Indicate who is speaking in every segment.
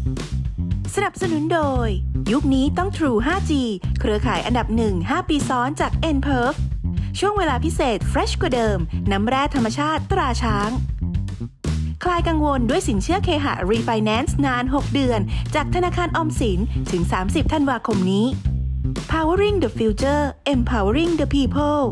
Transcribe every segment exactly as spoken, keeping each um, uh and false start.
Speaker 1: สนับสนุนโดยยุคนี้ต้อง True ไฟว์จี เครือข่ายอันดับหนึ่ง ห้า ปีซ้อนจาก เอ็น พี อี อาร์ ช่วงเวลาพิเศษ Fresh กว่าเดิม น้ำแร่ธรรมชาติตราช้าง คลายกังวลด้วยสินเชื่อเคหะ Refinance นาน หก เดือน จากธนาคารออมสินถึง สามสิบ ธันวาคมนี้ Powering the Future Empowering the People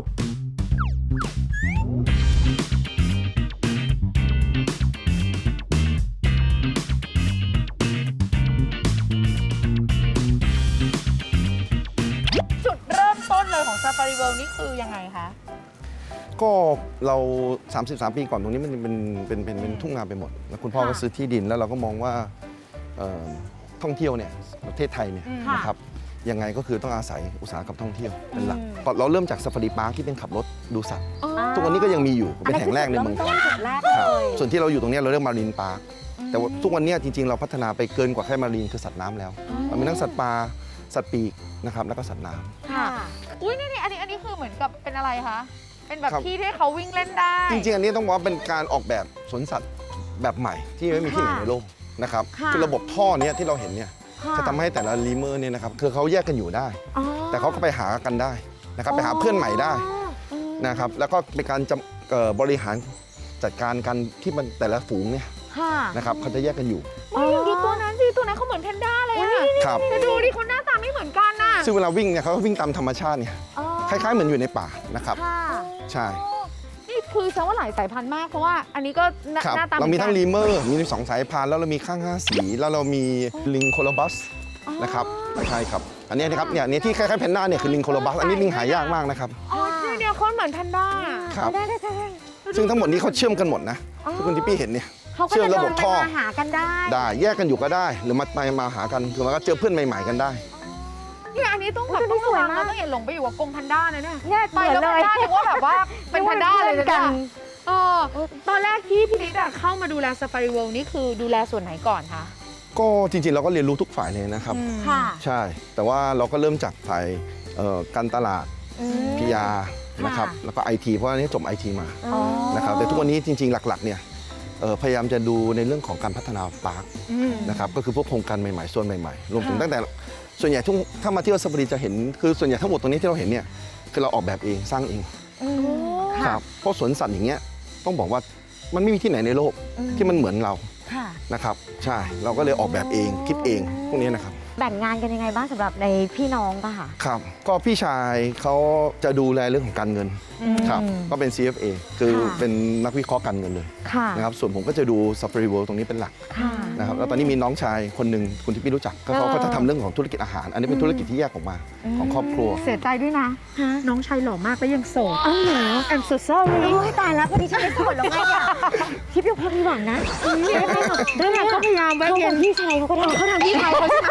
Speaker 2: Safari World นี่คือยังไงคะ
Speaker 3: ก็เราสามสิบสามปีก่อนตรงนี้มันเป็นเป็นเป็นเป็นทุ่งนาไปหมดแล้วคุณพ่อก็ซื้อที่ดินแล้วเราก็มองว่าท่องเที่ยวเนี่ยประเทศไทยเนี่ยนะครับยังไงก็คือต้องอาศัยอุตสาหกรรมท่องเที่ยวเป็นหลักเราเริ่มจากซาฟารีพาร์คที่เป็นขับรถดูสัตว์ทุกวันนี้ก็ยังมีอยู่เป็นแห่งแรกในเมืองไทยส่วนที่เราอยู่ตรงนี้เราเรียกมารีนพาร์คแต่ว่าทุกวันนี้จริงๆเราพัฒนาไปเกินกว่าแค่มารีนคือสัตว์น้ำแล้วเรามีทั้งสัตว์ป่าสัตว์ปีกนะครับแล้วก็สัตว์น้ำ
Speaker 2: ค่ะอุ้ยนี่นี่อันนี้อันนี้คือเหมือนกับเป็นอะไรคะเป็นแบบที่ที่เขาวิ่งเล่นได้
Speaker 3: จริงๆอันนี้ต้องบอกว่าเป็นการออกแบบสวนสัตว์แบบใหม่ที่ไม่มีที่ไหนในโลกนะครับคือระบบท่อเนี้ยที่เราเห็นเนี่ยจะทำให้แต่ละลีเมอร์เนี่ยนะครับคือเขาแยกกันอยู่ได้แต่เขาก็ไปหากันได้นะครับไปหาเพื่อนใหม่ได้นะครับแล้วก็เป็นการบริหารจัดการกันที่มันแต่ละฝูงเนี่ยนะครับเขาจะแยกกันอยู่
Speaker 2: ดูตัวนั้นสิตัวนั้นเขาเหมือนแพนด้าเลยอะ
Speaker 3: ครับ
Speaker 2: ดูดิเขาหน้าตาไม่เหมือนกันน่ะ
Speaker 3: ซึ่งเวลาวิ่งเนี่ยเขาวิ่งตามธรรมชาติเนี่ยคล้ายๆเหมือนอยู่ในป่านะครับใช่
Speaker 2: นี่คือแสดงว่าหลายสายพันธุ์มากเพราะว่าอันนี้ก็หน้าตา
Speaker 3: เรามีทั้งลีเมอร์มีสองสายพันธุ์แล้วเรามีข้างห้าสีแล้วเรามีลิงโคลบัสนะครับใช่ครับอันนี้นะครับเนี่ยที่คล้ายๆแพนด้าเนี่ยคือลิงโคลบัสอันนี้ลิงหายากมากนะครับ
Speaker 2: อ๋อเนี่ยเขาเหมือนแพนด้า
Speaker 3: ครับซึ่งทั้งหมดนี้เขาเชื่อมกันหมดนะที่คุณทิปปี้เห็นเนี่ยเชื่อมระบบท่อ
Speaker 2: หากันได้
Speaker 3: ได้แยกกันอยู่ก็ได้หรือมาไปมาหากันคือมันก็เจอเพื่อนใหม่ๆกันได้
Speaker 2: เนี่ยอันนี้ต้องแบบต้องระวังนะต้องอย่าหลงไปอยู่กับกรงแพนด้านะเนี่ยไปแล้วแพนด้าถือว่าแบบว่าเป็นแพนด้าเลยกันเออตอนแรกที่พี่นิดเข้ามาดูแล Safari World นี่คือดูแลส่วนไหนก่อนคะ
Speaker 3: ก็จริงๆเราก็เรียนรู้ทุกฝ่ายเลยนะครับใช่แต่ว่าเราก็เริ่มจากฝ่ายการตลาด พี อาร์ นะครับแล้วก็ ไอ ที เพราะอันนี้จบ ไอ ที มานะครับแต่ทุกวันนี้จริงๆหลักๆเนี่ยพยายามจะดูในเรื่องของการพัฒนาพาร์คนะครับก็คือพวกโครงการใหม่ๆส่วนใหม่ๆรวมถึงตั้งแต่ส่วนใหญ่ทุกถ้ามาเที่ยวซาฟารีจะเห็นคือส่วนใหญ่ทั้งหมดตรงนี้ที่เราเห็นเนี่ยคือเราออกแบบเองสร้างเองครับเพราะสวนสัตว์อย่างเงี้ยต้องบอกว่ามันไม่มีที่ไหนในโลกที่มันเหมือนเรานะครับใช่เราก็เลยออกแบบเองคิดเองพวกนี้นะครับ
Speaker 4: แบ่งงานกันยังไงบ้างสำหรับในพี่น้องป่ะคะ
Speaker 3: ครับก็พี่ชายเขาจะดูแลเรื่องของการเงินครับก็เป็น ซี เอฟ เอ คือเป็นนักวิเคราะห์การเงินเลยนะครับส่วนผมก็จะดู Safari World ตรงนี้เป็นหลักนะครับแล้วตอนนี้มีน้องชายคนหนึ่งคุณที่พี่รู้จักก็เขาก็จะทำเรื่องของธุรกิจอาหารอันนี้เป็นธุรกิจที่แยกออกมาของครอบครัว
Speaker 2: เสียใจด้วยนะน้องชายหล่อมากและยังโสด
Speaker 4: อ๋อเหรอ
Speaker 2: I'm so sorry
Speaker 4: ตายแล้วพอดีฉันไม่โสดแล้วไงอ่ะทิพย์ยังพอมีหวังนะ
Speaker 2: ได้ไงก็พยายามแวะเวียน
Speaker 4: พี่ชายเขาก็ทำ
Speaker 2: เขาทำพี่ชายเขาใช่ไหม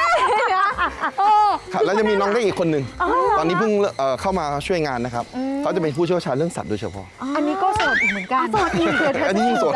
Speaker 3: แล้วจะมีน้องได้อีกคนหนึ่งตอนนี้เพิ่งเข้ามาช่วยงานนะครับเขาจะเป็นผู้เชี่ยวชาญเรื่องสัตว์โดยเฉพาะ
Speaker 2: อันนี้ก็โสดเหมือนกัน
Speaker 4: โสดอีก
Speaker 3: อันนี้ยิ่งโสด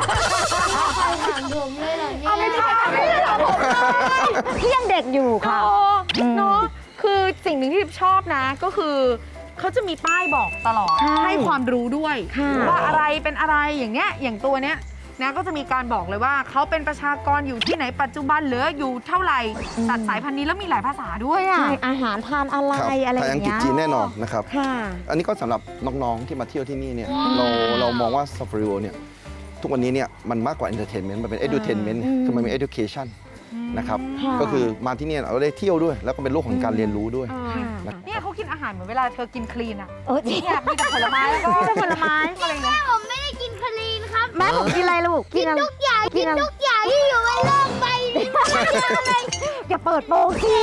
Speaker 2: เอาไม่ได้ไม่ได้หรอ
Speaker 4: พี่ยังเด็กอยู่ค่ะ
Speaker 2: เนาะคือสิ่งหนึ่งที่ชอบนะก็คือเขาจะมีป้ายบอกตลอดให้ความรู้ด้วยว่าอะไรเป็นอะไรอย่างเงี้ยอย่างตัวเนี้ยนะก็จะมีการบอกเลยว่าเขาเป็นประชากรอยู่ที่ไหนปัจจุบันเหลืออยู่เท่าไหร่สัตว์สายพันธุ์นี้แล้วมีหลายภาษาด้วยอ่ะ
Speaker 4: อาหารทานอะไรอะไรอย่างเงี้ย
Speaker 3: อังกฤษจีนแน่นอนนะครับอันนี้ก็สำหรับน้องๆที่มาเที่ยวที่นี่เนี่ยเราเรามองว่า Safari World เนี่ยทุกวันนี้เนี่ยมันมากกว่า entertainment มันเป็น edutainment คือมันมี education นะครับก็คือมาที่นี่เราได้เที่ยวด้วยแล้วก็เป็นโลกของการเรียนรู้ด้วย
Speaker 2: เนี่ยเขากินอาหารเหมือนเวลาเธอกินคลีนอ่ะ
Speaker 4: เออจริง
Speaker 2: อยากมีแต่ผลไม้แล้วก็ผลไม้อะไรเงี้ย
Speaker 5: ผมไม่ได้กินคลีนครับ
Speaker 4: แม่ผมกินอะไรลูก
Speaker 5: กินทุกอย่างกินทุกอย่างที่อยู่ในโลกใบนี้
Speaker 4: อย่าเปิดโปงสิ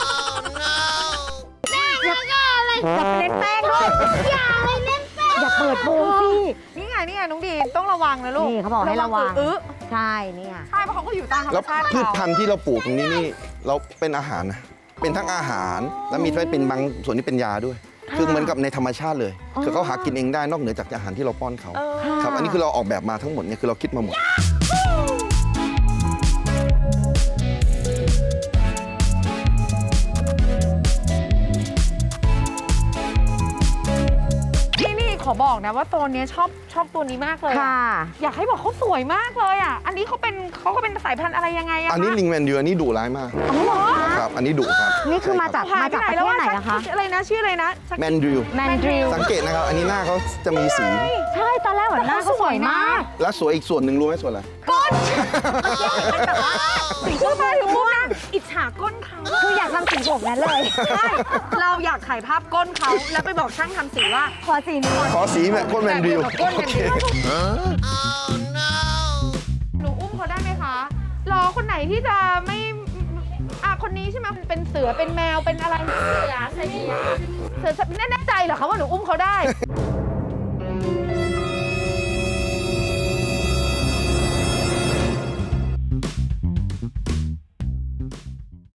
Speaker 5: แม่แล้วก็อะไร
Speaker 4: อย่าเล่นแป้งด้วย
Speaker 5: ทุกอย่างเลยเล่นแป้ง
Speaker 4: อย่าเปิดโปงสิ
Speaker 2: นี่ไงนี่ไงน้องดีต้องระวังนะลูก
Speaker 4: นี่เขาบอกให้ระวัง
Speaker 2: อื้อ
Speaker 4: ใช่นี่ไง
Speaker 2: ใช่เพราะเขาก็อยู่ตามธรรมชาติ
Speaker 3: แล้วพืชพันธุ์ที่เราปลูกตรงนี้นี่เราเป็นอาหารนะเป็นทั้งอาหารแล้วมีเป็นบางส่วนที่เป็นยาด้วยคือเหมือนกับในธรรมชาติเลยคือเขาหากินเองได้นอกเหนือจากอาหารที่เราป้อนเขาครับอันนี้คือเราออกแบบมาทั้งหมดเนี่ยคือเราคิดมาหมด
Speaker 2: นี่นี่ขอบอกบอกนะว่าตัวเนี้ยชอบชอบตัวนี้มากเลยอะ
Speaker 4: ค่ะ
Speaker 2: อยากให้บอกเขาสวยมากเลยอ่ะ อันนี้เขาเป็นเขาก็เป็นสายพันธุ์อะไรยังไงอะ
Speaker 3: อันนี้
Speaker 2: คะ
Speaker 3: ลิงแมนดิวอันนี้ดุร้ายมาก
Speaker 4: อ๋อเหรอ
Speaker 3: ครับ อันนี้ดุครับ
Speaker 4: นี่คือมาจาก
Speaker 2: หาย
Speaker 4: มา
Speaker 2: ไป
Speaker 4: จาก
Speaker 2: ไหน
Speaker 4: ประ
Speaker 2: แล้ว
Speaker 4: เทศ
Speaker 2: ว่า
Speaker 4: ไหนนะคะ
Speaker 2: อะไรนะชื่ออะไรนะสัก
Speaker 3: แมนดิว
Speaker 4: แมนดริล
Speaker 3: สังเกตนะครับ อันนี้หน้าเขาจะมีสี
Speaker 4: ใช่ตอนแรกเหมือนหน้าเขาสวยมาก
Speaker 3: และสวยอีกส่วนหนึ่งรู้ไหมส่วนอะไร
Speaker 2: ก้นเป็นแบบว่าสีพูดมาถึงพูดนะอิจฉาก้นเขา
Speaker 4: คืออยากทำสีผมนั้นเลย
Speaker 2: ใช่เราอยากถ่ายภาพก้นเขาแล้วไปบอกช่างทำสีว่า
Speaker 4: ขอสีนี้
Speaker 3: ขอสีแบบก้นแมนดิว
Speaker 2: แบบก้นแม
Speaker 3: โอน เค
Speaker 2: ดิวหนูอุ้มเขาได้ไหมคะรอคนไหนที่จะไม่อ่ะคนนี้ใช่ไหมเป็นเสือเป็นแมวเป็นอะไรเสือเสือเสือแน่ใจเหรอคะว่าหนูอุ้มเขาได้